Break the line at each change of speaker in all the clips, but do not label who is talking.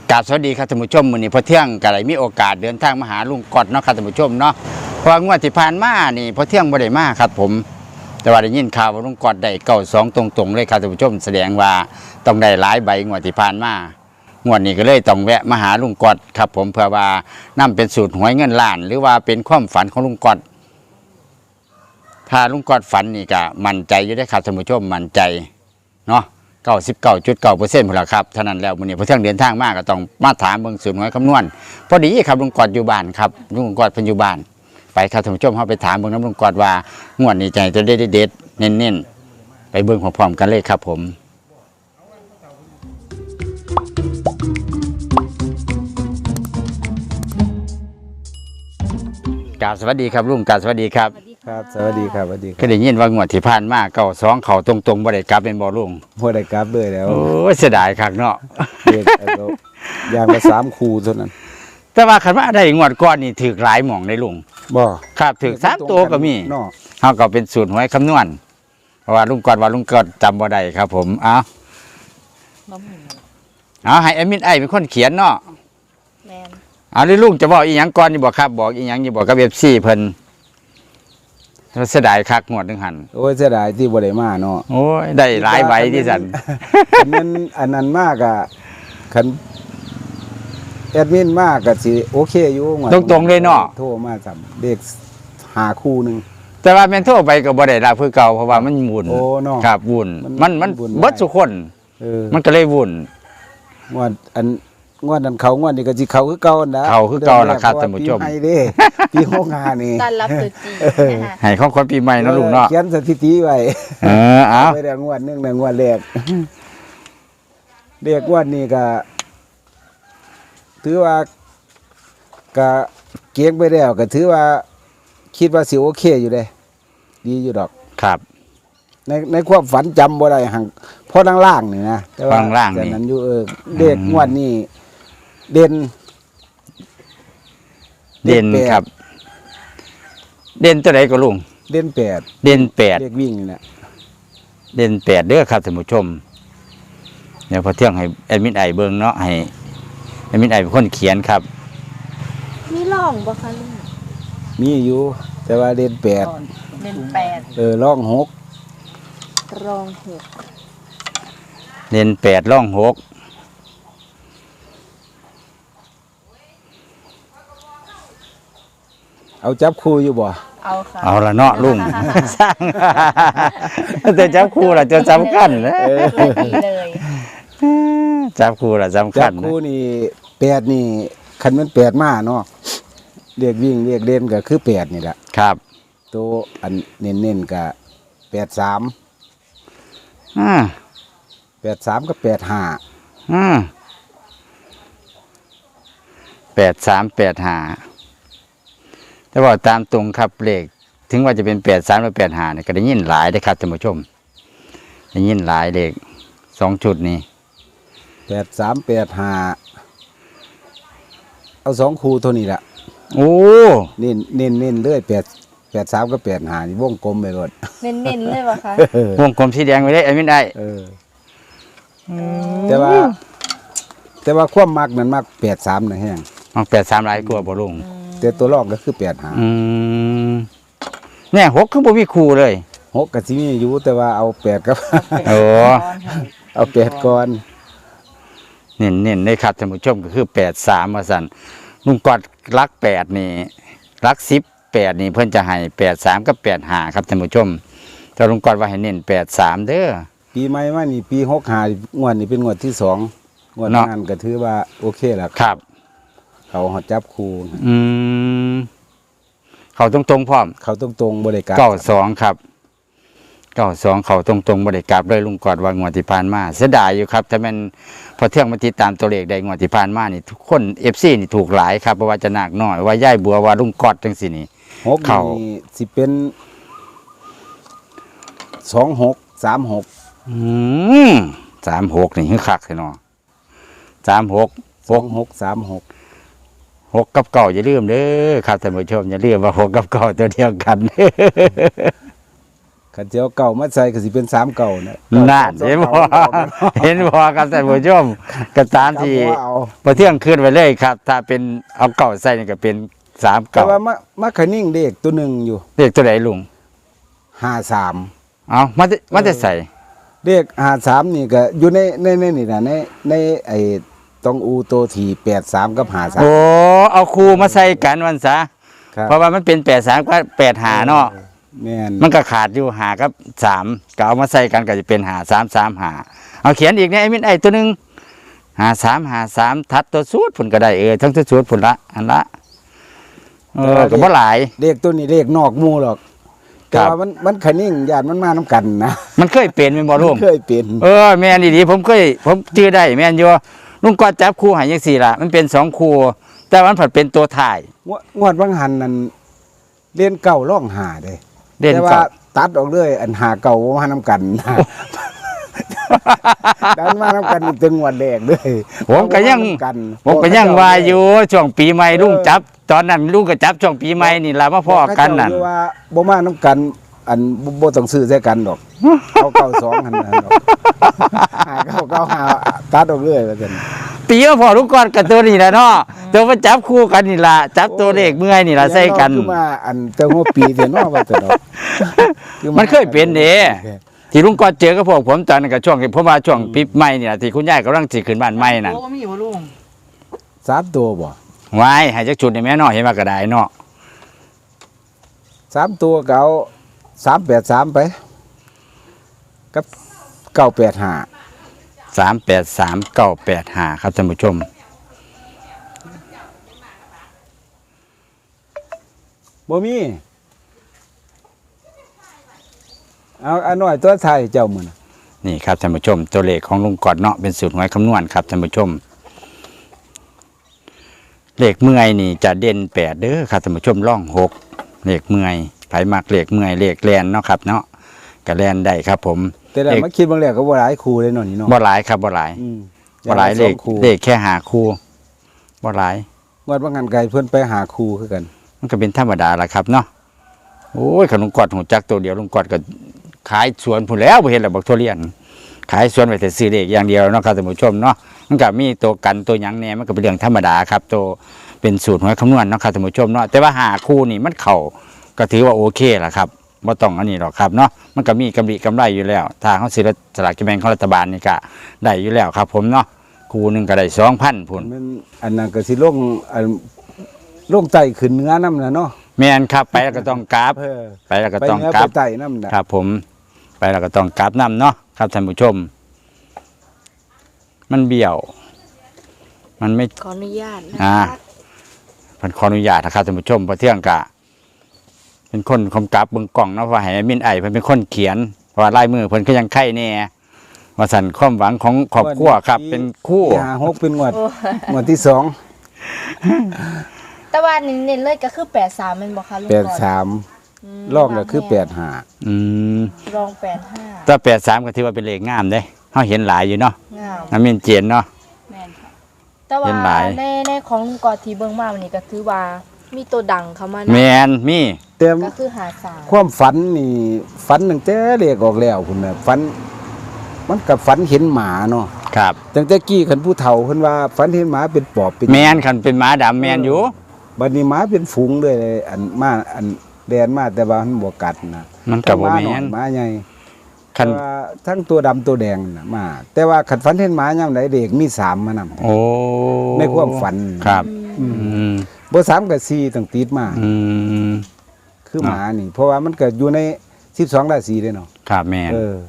กราบสวัสดีครับท่านผู้ชมมื้อนี้พอเที่ยงก็ได้มีโอกาสเดินทางมาหาลุงกอดเนาะครับท่านผู้ชมเนาะเพราะว่างวดที่ผ่านมานี่พอเที่ยงบ่ได้มาครับผมแต่ว่าได้ยินข่าวว่าลุงกอดได้92ตรงๆเลยครับท่านผู้ชมแสดงว่าต้องได้หลายใบงวดที่ผ่านมางวดนี้ก็เลยต้องแวะมาหาลุงกอดครับผมเพื่อว่านํเป็นสูตรหวยเงินล้านหรือว่าเป็นความฝันของลุงกอดถ้าลุงกอดฝันนี่ก็มั่นใจอยู่ได้ครับท่านผู้ชมมั่นใจเนาะ99.9%พุ่นล่ะครับเท่านั้นแล้วมื้อนี้พอเที่ยงเดินทางมาก็ต้องมาถามเบิ่งสูตรหวยคำนวณพอดีครับลุงกอดอยู่บ้านครับลุงกอดเพิ่นอยู่บ้านไปครับท่านผู้ชมเฮาไปถามเบิ่งนำลุงกอดว่างวดนี้ใจจะได้เด็ดๆเน้นๆไปเบิ่งพร้อมๆกันเลยครับผมกราบสวัสดีครับลุงกราบสวัสดีครับ
ครับสวัสดีครับสวัสดีค
ก็
รับ
ได้ยินว่างวดที่ผ่านมา92เข้าตรงๆบ่ได้กลับเป็นบ่ลุง
พอได้กราฟเลยแล้ว
โอ้ยเสียดายคักเนาะ
เด็กเอาอย่างละ3 คูเท่านั้น
แต่ว่าคันว่าได้งวดก่อนนี่ถูกหลายหม่องในลุง
บ่
ครับถูก3ตัวก็มี
เนาะ
เฮาก็เป็นสูตรหวยคำนวณเพราะว่าลุงกอดจำบ่ได้ครับผมเอาให้แอดมินไอเป็นคนเขียนเนาะ
แมน
เอาเลยลุงจะบอกอีหยังก่อนนี่บ่ครับบอกอีหยังนี่บอกกับ FC เพิ่นเสียดายคักงวดนึงหั่น
โอ้ยเสียดายที่บ่ได้มาเนาะ
โอ้ยได้หลายใบที่สั่น
คันนั้นอันนั้นมากอ่ะคันแอดมินมากก็สิโอเคอยู่ว่า
ตรงๆเลยเนาะ
โทรมาซ้ํเด็ก5 คู่หนึง
แต่ว่าแม่นโทรไปก็บ่ได้รับคือเก่าเพราะว่ามันวุ่น
โอ้เนาะ
ครับวุ่นมัน
วุ่น
เบิดทุกคน มันก็เลยวุ่น
งวดอันงวดนั้นเขางวดนี้ก็สิเขาคือเก่านะ
เข้าคือเก่าล่ะครับท่านผู้ชม
ปีใหม่เด้ปี65นี่
ต้อนรับตรุษจีนนะคะ
ให้ของคนปีใหม่เนาะลุงเนาะ
เขียนสถิติไว้
เอา
ไปได้งวดหนึงนะงวดแรก เรียกงวดนี้ก็ถือว่าก็เก่งไปแล้วก็ถือว่าคิดว่าสิโอเคอยู่เด้ดีอยู่ดอก
ครับ
ในความฝันจำบ่ได้หังพอล่างๆนี่นะแต่ว่า
ล่างๆนี่
แต่นั้นอยู่เด็กงวดนี้เด่น
เด่น
แปด
ครับ เด่นตัวไหนก็ลุง
เด่น8
เด่น8
เด็กวิ่งนี่แหละ
เด่น8เด้อครับท่านผู้ชมเดี๋ยวพอเที่ยงให้แอดมินไอเบิ่งเนาะให้แอดมินไอเป็นคนเขียนครับ
มีร่องบ่คะลุง
มีอยู่ แต่ว่าเด่น8
เป็น8
ร่อง6
รอง6
เด่น8ร่อง6
เอาจับคู่อยู่บ่
เอาค่ะ
เอาละเนาะลุง สร้าง แต่จับคู่ล่ะจะสำคัญนะ
ดีเลย
จับคู่ล่ะสำ
จั
คั
บ
ญนะ
คู่นี่8นี่คันมัน8มาเนาะเรียกวิ่งเรียกเล่นก็คือ8นี่แหละ
ครับ
ตัวอันเน้นๆก็83
อ่า
83กับ85
8385แต่ว่าตามตรงครับเลขถึงว่าจะเป็น83หรือ85เนี่ยก็ได้ยินหลายได้อครับท่านผู้ชมได้ยินหลายเลข2ชุดนี้
83 85เอา2คู่เท่านี้ล่ะ
โอ้
เน้นเลย83กับ85นี่วงกลมไปหมด
เน้นๆเลยบ่คะ
วงกลมสีแดงไว้ได้ไอ้ไม่ได้
แต่ว่าความมักนั้นมัก83นะแฮง
มัน83หลายกว่าบ่ลุง
แต่ตัวรองก็คือ85
เนี่ย6คือบ่มีคู่เลย
6ก็สิมีอยู่แต่ว่าเอา8กับ
โอ้
เอา8ก่อน
เน้นๆเลยครับท่านผู้ชมก็คือ83ว่าซั่นลุงกอดรัก8นี่รัก10 8นี่เพิ่นจะให้83กับ85ครับท่านผู้ชมแต่ลุงกอดว่าให้เน้น83เด้อ
ปีใหม่มานี่ปี65งวดนี้เป็นงวดที่2งวด
เนาะ
นั้นก็ถือว่าโอเคแล้ว
ครับ
เขาหอจับคู่
เขาตรงๆพร้อม
เขาตรงๆบ่ได้กลับ
92ครับ92เขาตรงๆบ่ได้กลับเลยลุงกอดว่างวดที่ผ่านมาเสียดายอยู่ครับถ้าแม่นพอเที่ยงมาติดตามตัวเลขได้งวดที่ผ่านมานี่ทุกคน FC นี่ถูกหลายครับบ่ว่าจะหนักน้อยว่าย่ายบัวว่าลุงกอดจังซี่นี่
6
เข้า
นี่สิเป็น26 36
36นี่คือคักแท้เนาะ36
26 36
6กับเก้าอย่าลืมเด้อครับท่านผู้ชมอย่าลืมว่า6กับเก้าตัวเดียวกัน
ขันเจ้าเก่ามาใส่ก็สิเป็น3เก่านะ
นั่นเห็นบ่เห็นบ่ครับท่านผู้ชมก็ตามที่
เอา
พอเที่ยงคืนไว้เลยครับ ถ้าเป็นเอาเก่าใส่นี่ก็เป็น3
แต่
เก่า
ว่ามาขนิ่งเด็กตัวหนึงอยู่
เลขตัวไหนลุง
53
เอามาจะใส่
เด็ก53นี่ก็อยู่ในนี่น่ะในไอ้ต้องอูโตที่83กับ
โอ้เอาครูมาใส่กันวันซะ
53ครับ
เพราะว่ามันเป็น83กับ85เนาะ
แม่น
มันก็ขาดอยู่5กับ3ก็เอามาใส่กันก็จะเป็น5335เอาเขียนอีกเนี่ยไอ้มินไอ้ตัวหนึง53ทัดตัวสูตรพุ่นก็ได้ทั้งตัวสูตรพุ่นละอันละก็บ่หลาย
เด็กตัวนี้เด็กนอกหมู่หรอก
ครั
แต่
บ
ว่ามันขนิ่งญาติมันมานํกันนะ
มันเคยเป็นแม่นบ่ลุง
เคยเป็น
แม่นดีๆผมชื่อได้แม่นอยู่ลุงก็จับคู่ให้จังซี่ล่ะมันเป็น2คู่แต่ว่ามันผัดเป็นตัวถ่าย
งวดบางหันนั่นเรียนเก่าร่องหาเด้
เด่น
แต่ว่า
เก่า
ตัดออกเลยอันหาเก่าบ่มานํกันนะดันมานํกันอีกถึงงวดแรกเลย
ผมก็ยัง
บ่มากัน
ผมก็ยังว่าอยู่ช่วงปีใหม่ลุงจับ ตอนนั้นลุงก็จับช่วงปีใหม่นี่ล่ะมาพ้อกันนั่น
เขาเจ้าอยู่ว่าบ่มานํกัน อันบ่ต้องซื้อใส่กันดอกเอาเก่า2หั่นดอกหาเก่าหาตัดออกเลยว่าซั่น
ปีมาพอลุงก่อนกับตัวนี้แหละเนาะตัวมาจับคู่กันนี่ล่ะจับตัวเลขเมื่อยนี่ล่ะใส่กัน
คือมาอันแต่หัวปีเด้เนาะว่าซั่นดอก
มันเคยเป็นเด้ที่ลุงก่อนเจอกับพวกผมตอนนั้นก็ช่วงที่ผมว่าช่วงปีใหม่นี่ล่ะที่คุณยายกำลังสิขึ้นบ้านใหม่นั่น
โอ้มีบ่ลุง
3ตัวบ่
ไว้ให้จักชุดนี่แม่เนาะเห็นว่าก็ได้เนาะ
3ตัวก็เอา383ไปกับ985
383985ครับท่านผู้ชม
บ่มีเอาอันน้อยตัวไทยเจ้ามื้อน่ะ
นี่ครับท่านผู้ชม ตัวเลขของลุงกอดเนาะเป็นสูตรหวยคำนวณครับท่านผู้ชม เลขเมื่อยนี่จะเด่น8เด้อครับท่านผู้ชมร่อง6เลขเมื่อยไผมักเลขเมื่อยเลขแลนเนาะครับเนาะก็แลนได้ครับผม
แต่ละมาคิดบางแล้วก็บ่หลายคู่เลยเนาะนี่เนาะ
บ่หลายครับบ่หลาย
อืม
บ่หลายเลข
สองคู่
เลขแค่5คู่บ่หลาย
งวดบางหันไกลเพิ่นไปหาคู่คือกัน
มันก็เป็นธรรมดาละครับเนาะโอ้ยขนมกอดหูจักตัวเดียวลุงกอดก็ขายสวนพุ่นแล้วบ่เห็นแล้วบักทุเรียนขายสวนไว้แต่ซื้อเลขอย่างเดียวเนาะครับท่านผู้ชมเนาะมันก็มีตัวกันตัวหยังแหน่มันก็เป็นเรื่องธรรมดาครับตัวเป็นสูตรหวยคำนวณเนาะครับท่านผู้ชมเนาะแต่ว่าหาคู่นี่มันเข้าก็ถือว่าโอเคล่ะครับบ่ต้องอันนี้หรอกครับเนาะมันก็มีกำไรอยู่แล้วถ้าเฮาซื้อสลากกินแบ่งของรัฐบาลนี่ก็ได้อยู่แล้วครับผมเนาะคู่หนึงก็ได้ 2,000พุ่น
มันอันนั้นก็สิลงอันลงไตขึ้นเหนือนำน่ะเนาะ
แม่นครับไปแล้วก็ต้องกราฟ
เออ
ไปแล้วก็
ไป
ต้อง
เหนือก
รา
ไป
ฟ
ไตนำน่ะ
ครับผมไปแล้วก็ต้องกราบน้ำเนาะครับท่านผู้ชม มันเบี้ยว มันไม่
ขออนุญาตนะ
อ่า
คะ
พันขออนุญาตนะครับท่านผู้ชมเพราะเที่ยงกะ เป็นคนกำกับเบิ่งกล่องเนาะเพราะให้มินไอเพิ่นเป็นคนเขียนเพราะว่าลายมือเพิ่นก็ยังไข่แน่ว่าสั่นความหวังของครอบครัวครับ เป็นคู่
ที่หา6เป็นงวดที่2
แต่ว่าเน้นๆเลยก็คือ83แม่นบ่คะลุงก่อน
83รอบก็คือ85
อืม
รอง85
ถ้า83ก็ถือว่าเป็นเลขงามเด้เฮาเห็นหลายอยู่เนาะ
งาม
น้ำมินเจนเนาะ
แม่นค่ะแต่ว่า
เห็นหลาย
ในของลุงกอดที่เบิ่งมาวันนี้ก็ถือว่ามีตัวดังเข้ามา
แม
นะ
นมี
แต่
ก็คือ53
ความฝันนี่ฝันตั้งแต่เลขออกแล้วพุ่นน่ะฝันมันกับฝันเห็นหมาเนาะ
ครับ
ตั้งแต่กี้คันผู้เฒ่าเพิ่นว่าฝันเห็นหมาเป็นปอบเป็น
แมนคันเป็นหมาดำแมนอยู่
บัดนี้หมาเป็นฝูงเลยอันมาอันแดนมาแต่ว่ามันบ่กัดนะ
มันก็บ่
หา
แม่
น้อย
น
หมาใหญ่
คัน
แต่ว่าทั้งตัวดำตัวแดงน่ะมา แต่ว่าคันฝันเห็นหมายามใดเด็กมี3มานำ
โอ้
ในความฝัน
ครับ
อืม
อืม
บ่3ก็4ต้องติดมา
อืม
คือหมานี่ เพราะว่ามันก็อยู่ใน12ราศีเด้เนาะ
ครับแม่น
เออ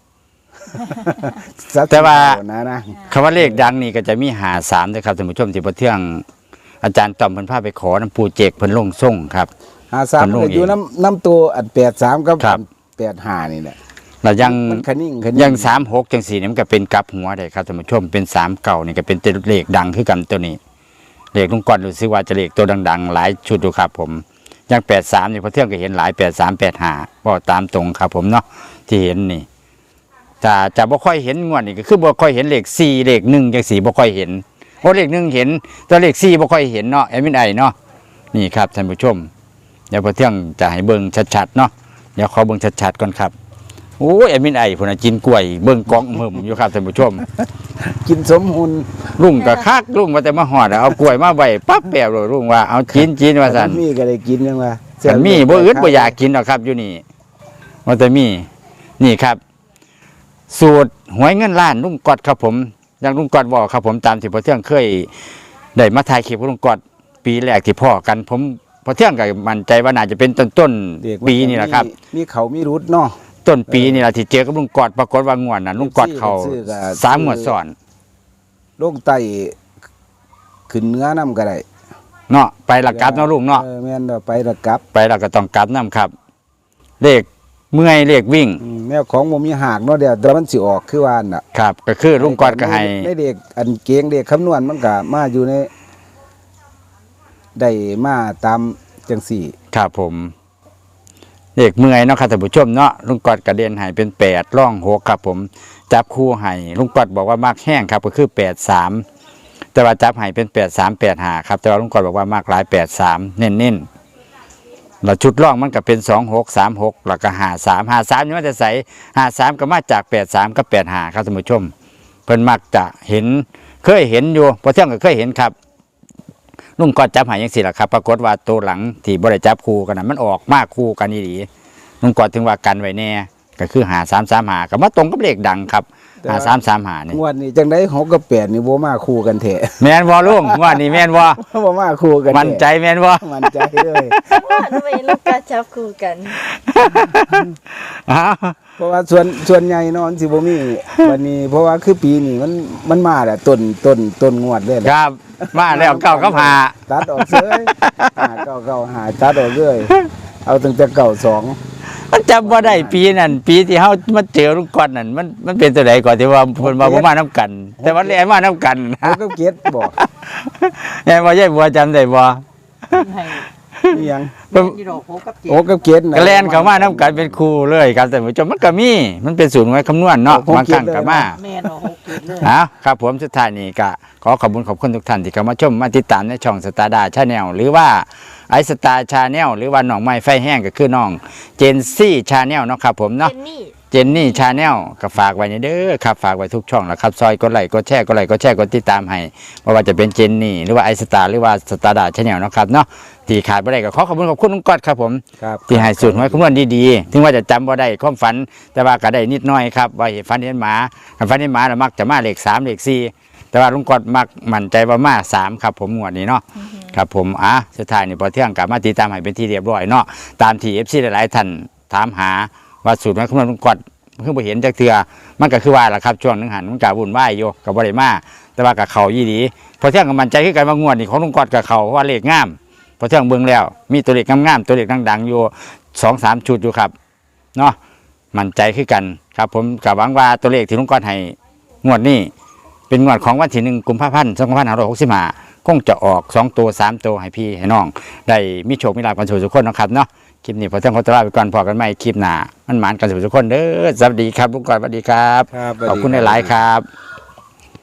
แต่ว่า
นะ
คำว่าเลขดังนี่ก็จะมี53ด้วยครับท่านผู้ชมที่บ่เที่ยงอาจารย์ต้อมเพิ่นพาไปขอน้ำปูเจกเพิ่นลงส่งครับ
53มันก็อยู่น้ำตัวอัน83กับ
ครับ
85นี่แหละ
แล้วยัง
มันขนิ่ง
ยัง36จัง4นี่มันก็เป็นกลับหัวได้ครับท่านผู้ชมเป็น3เก่านี่ก็เป็นเลขดังคือกันตัวนี้เลขลุงก่อนรู้สึกว่าจะเลขตัวดังๆหลายชุดอยู่ครับผมอย่าง83นี่พอเที่ยงก็เห็นหลาย83 85บ่ตามตรงครับผมเนาะที่เห็นนี่จะบ่ค่อยเห็นงวดนี่ก็คือบ่ค่อยเห็นเลข4เลข1จัง4บ่ค่อยเห็นโอ้เลข1เห็นแต่เลข4บ่ค่อยเห็นเนาะแอดมินไอเนาะนี่ครับท่านผู้ชมเดี๋ยวพอเที่ยงจะให้เบิ่งชัดๆเนาะเดี๋ยวขอเบิ่งชัดๆก่อนครับโอ้ยแอดมินไอพุ่นน่ะกินกล้วยเบิ่งกล่องเบิ่มอยู่ครับท่านผู้ชม
กินสมหุ่น
ลุงก็คักลุงว่าแต่มาหอดเอากล้วยมาไว้ปั๊บแปบเลยลุงว่าเอากินว่าซั่น
มีก็ได้กินยังว่า
แต่มีบ่อึดบ่อยากกินหรอกครับอยู่นี่ว่าแต่มีนี่ครับ สูตรหวยเงินล้านลุงกอดครับผมอย่างลุงกอดบอกครับผมตามที่พ่อเที่ยงเคยได้มาถ่ายคลิปกับลุงกอดปีแรกที่พ่อกันผมพ่อเที่ยงก็มั่นใจว่าน่าจะเป็นต้น
เด็ก
ปีนี่แหละครับ
มีเขามีรุดเนาะ
ต้นปีนี่แหละที่เจอกับลุงกอดปรากฏว่างวดน่ะลุงกอดเขา
ซื้อก็
3 งวดซ้อน
ลงไตขึ้นเนื้อน้ำก็ได้
เนาะไปละกลับเนาะลุงเนาะ
แม่นเด้อไปละกลับ
ไปแล้วก็ต้องกลับนํครับเลขเมื่อยเลขวิ่ง
แนวของบ่มีหากเนาะเดี๋ยวแต่มันสิออกคือว่าน่ะ
ครับก็คือลุงกอดก็ให้
ในเด็กอันเกงเด็กคำนวณมันก็มาอยู่ในได้มาตามจังสี่
ครับผมเลขเมื่อยเนาะครับท่านผู้ชมเนาะลุงกอดกระเด็นให้เป็น8ร่อง6ครับผมจับคู่ให้ลุงกอดบอกว่ามากแห้งครับก็คือ83แต่ว่าจับให้เป็น8385ครับแต่ว่าลุงกอดบอกว่ามากหลาย83เน้นๆแล้วชุดร่องมันก็เป็น2636แล้วก็53นี่มันจะใส่53ก็มาจาก83กับ85ครับท่านผู้ชมเพิ่นมักจะเห็นเคยเห็นอยู่พอเที่ยงก็เคยเห็นครับลุงกอดจับให้จังซี่ล่ะครับปรากฏว่าตัวหลังที่บ่ได้จับคู่กันน่ะมันออกมากคู่กันอีหลีลุงกอดถึงว่ากันไว้แน่ก็คือ5335ก็มาตรงกับเลขดังครับ5335นี่
งวดนี้จังได๋6กับ8นี่บ่มาคู่กันแท้
แม่นบ่ลุงว่านี่แม่นบ่
บ่มาคู่กันแท้
มั่นใจแม่นบ่
มั่นใจเลย
ว่าทำไมลูกกาจับคู่กัน
อ้าว
เพราะว่าส่วนใหญ่เนาะมันสิบ่มีวันนี้เพราะว่าคือปีนี้มันมาแหละต้นงวดเลยแห
ค
ละ
รับมาแล้วเก้ากับหา
ตัดออกเสยหาตัดออกเลยเอาตั้งแต่เก่าสอง
มันจำว่าได้ปีนั้นปีที่เฮามาเจอลุงกอดนั่นมันเป็นตัวใดก่อนที่ว่าเพิ่นว่าบ่มานํกัน แต่ว่าแลนมานํกัน
เขาก็เก็ตบอก
แม่นบ่ยายบัวจำได้บ่
ให้
นี่ยัง
เพิ่น
ที่ดอกโคกับเจ็
โอ้ก็เก็ตนะ
ก็แล่นเข้ามานํกันเป็นคู่เลยครับแต่านผู้ชมมันก็มีมันเป็นสูตรหวยคำนวณเนาะ
ผม
บางครั้ง
คิดเลย
ก็มา
แม่ดอกโคเจ็ดเลย
ครับผมสุดท้ายนี้ก็ขอขอบคุณทุกท่านที่เข้ามาชมมาติดตามในช่องสตาร์ดาชาแนลหรือว่าไอสตาร์ชาแนลหรือว่าน้องไม้ไฟแห้งก็คือน้องเจนซี่ชาแนลเนาะครับผม
เจ
เนาะ
นนี่
เจนนี่ชาแนลก็ฝากไว้ในเด้อครับฝากไว้ทุกช่องแล้วครับซอยกดไลค์กดแชร์กดไลค์กดแชร์กดติดตามให้ไม่ว่าจะเป็นเจนนี่หรือว่าไอสตาร์หรือว่าสตาร์ดาชาแนลเนาะครับเนาะที่ขาดไม่ได้ก็ขอขอบคุณลุงกอดครับผม
ครับ
ที่ให้สูตรหวยคำนวณดีๆ ถึงว่าจะจำว่าได้ความฝัน แต่ว่าก็ได้นิดหน้อยครับ ว่าเห็นฝันเห็นหมาคันฝันเห็นหมาเรามักจะมาเลข3เลข4แต่ว่าลุงกอดมักมั่นใจว่ามา3ครับผมงวดนี้เนาะ ครับผมสุดท้ายนี่พอเที่ยงกลับมาติดตามให้เป็นที่เรียบร้อยเนาะ ตามที่ FC หลายๆท่านถามหาว่าสูตรหวยคำนวณลุงกอดเพิ่งไปเห็นจากเทือมันก็คือว่าล่ะครับช่วงหนึงหันมันก็วุ่นวายอยู่กับบ่ได้มาแต่ว่ากับเขายี่ดีพอเที่ยงก็มั่นใจคือกันว่างวดนี้ของลุงกอดกับเขาเพราะว่าเลขงาม พอเที่ยงเบิ่งแล้วมีตัวเลขงามๆตัวเลขดังๆอยู่ 2-3 ชุดอยู่ครับเนาะมั่นใจคือกันครับผมกับหวังว่าตัวเลขที่ลุงกอดให้งวดนี้เป็นงวดของวันที่1 กุมภาพันธ์ 2565คงจะออก2ตัว3ตัวให้พี่ให้น้องได้มีโชคมีลาภกันทุกคนนะครับเนาะคลิปนี้พอเที่ยงขอตัวลาไปก่อนพอกันใหม่คลิปหน้ามันหมานกันทุกคนเด้อสวัสดีครับลุงกอดสวัสดีครับ
ครับ
ขอบคุณหลายๆครับ